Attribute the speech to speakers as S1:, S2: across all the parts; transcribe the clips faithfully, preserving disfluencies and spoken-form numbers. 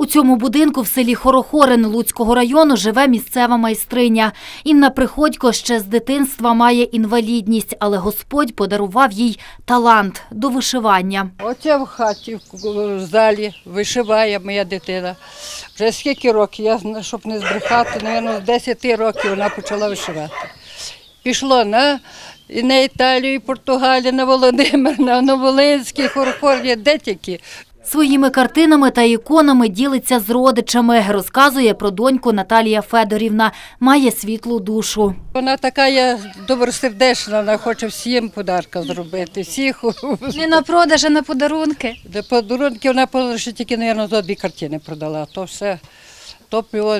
S1: У цьому будинку в селі Хорохорин Луцького району живе місцева майстриня. Інна Приходько ще з дитинства має інвалідність, але Господь подарував їй талант до вишивання.
S2: Оце в хаті, в залі вишиває моя дитина. Вже скільки років, я, щоб не збрехати, мабуть, з десяти років вона почала вишивати. Пішло на, і на Італію, і Португалію, на Володимир, на Новолинський, Хорохорин, де тільки.
S1: Своїми картинами та іконами ділиться з родичами. Розказує про доньку Наталія Федорівна. Має світлу душу.
S2: Вона така є добросердечна, вона хоче всім подарка зробити. Всіх.
S3: Не на продаж, а на подарунки.
S2: Де подарунки вона лише тільки, мабуть, за дві картини продала. То все, то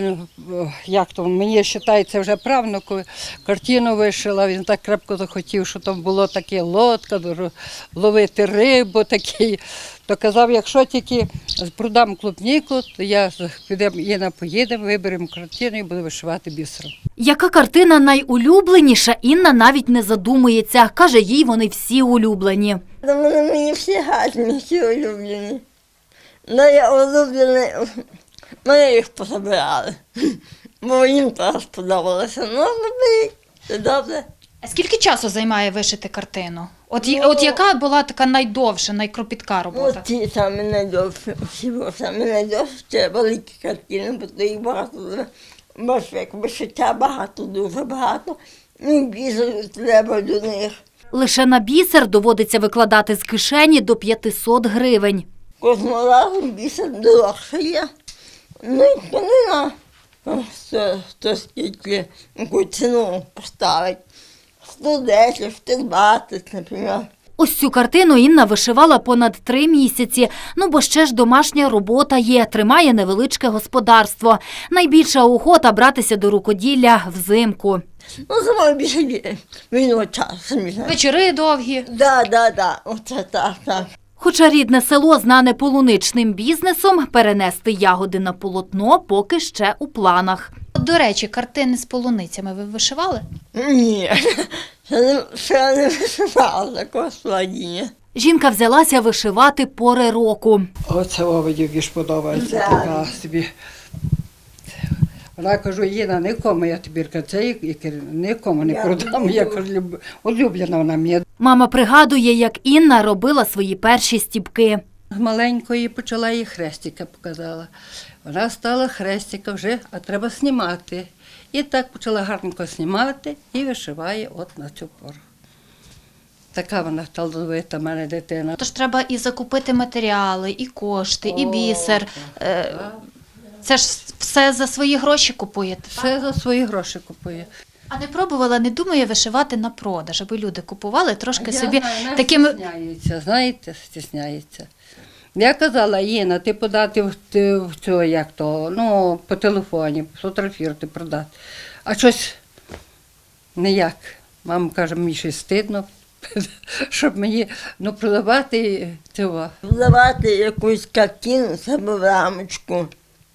S2: як то, мені вважається вже правнуку, картину вишила, він так крепко захотів, що там було таке лодка, ловити рибу такий. То казав, якщо тільки продам клубніку, то я підемо, Інна, поїдемо, виберемо картину і буду вишивати бісером.
S1: Яка картина найулюбленіша, Інна навіть не задумується. Каже, їй вони всі улюблені.
S4: Вони мені всі гарні, всі улюблені. Ну, я улюблені, мене їх позабирали, бо їм теж сподобалося. Ну, це добре.
S3: А скільки часу займає вишити картину? От,
S4: Ну,
S3: от яка була така найдовша, найкропітка робота?
S4: Ось ті самі найдовші, всі були самі найдовші, це великі картини, бо то їх багато, бачиш, як вишиття багато, дуже багато, і більше треба до них.
S1: Лише на бісер доводиться викладати з кишені до п'ятисот гривень.
S4: Кожного разу більше дорожче є. Ну і тканина, то, то скільки, яку ціну поставить. сто десять, сто двадцять, наприклад.
S1: Ось цю картину Інна вишивала понад три місяці. Ну, бо ще ж домашня робота є, тримає невеличке господарство. Найбільша охота братися до рукоділля взимку.
S4: Ну, саме більше вільного часу, самі знаєте.
S3: Вечори довгі.
S4: Да, да, да, оце так, так.
S1: Хоча рідне село знане полуничним бізнесом, перенести ягоди на полотно поки ще у планах.
S3: От, до речі, картини з полуницями ви вишивали?
S4: Ні, ще не, ще не вишивала такого складіння.
S1: Жінка взялася вишивати пори року.
S2: Оце овидівки ж подобається,
S4: Да.
S2: така собі. Вона кажу, Інна, нікому я тобі це нікому не продам, я кажу, люб- улюблена вона мені.
S1: Мама пригадує, як Інна робила свої перші стіпки.
S2: З маленької почала їй хрестика показала. Вона стала хрестика вже, а треба знімати. І так почала гарненько знімати і вишиває от на цю пору. Така вона талановита в мене дитина.
S3: Тож треба і закупити матеріали, і кошти, і
S2: О,
S3: бісер. Е, Це ж все за свої гроші купуєте.
S2: Все за свої гроші купує.
S3: А не пробувала, не думає вишивати на продаж, аби люди купували трошки
S2: Я
S3: собі
S2: знаю, вона
S3: такими...
S2: стісняється, знаєте, стісняється. Я казала, Інна, ти подати в, ти в цього, як то, ну, по телефоні, сфотографувати, продати. А щось ніяк. Мама каже, мені щось стидно, щоб мені, ну, продавати цього.
S4: Вдавати якусь картину себе в рамочку,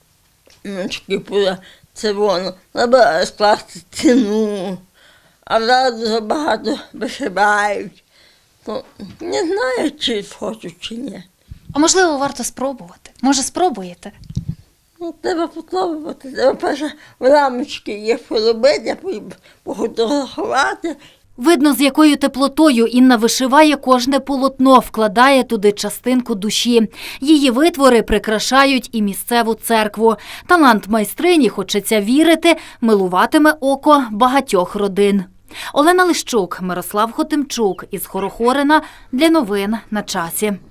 S4: це воно, треба скласти ціну, а зараз дуже багато вишивають. То не знаю, чи хочу, чи ні.
S3: А можливо, варто спробувати? Може, спробуєте?
S4: Ну, треба попробувати, треба перше в рамочки їх поробити, пофотографувати.
S1: Видно, з якою теплотою Інна вишиває кожне полотно, вкладає туди частинку душі. Її витвори прикрашають і місцеву церкву. Талант майстрині, хочеться вірити, милуватиме око багатьох родин. Олена Лищук, Мирослав Хотимчук із Хорохорина для новин на часі.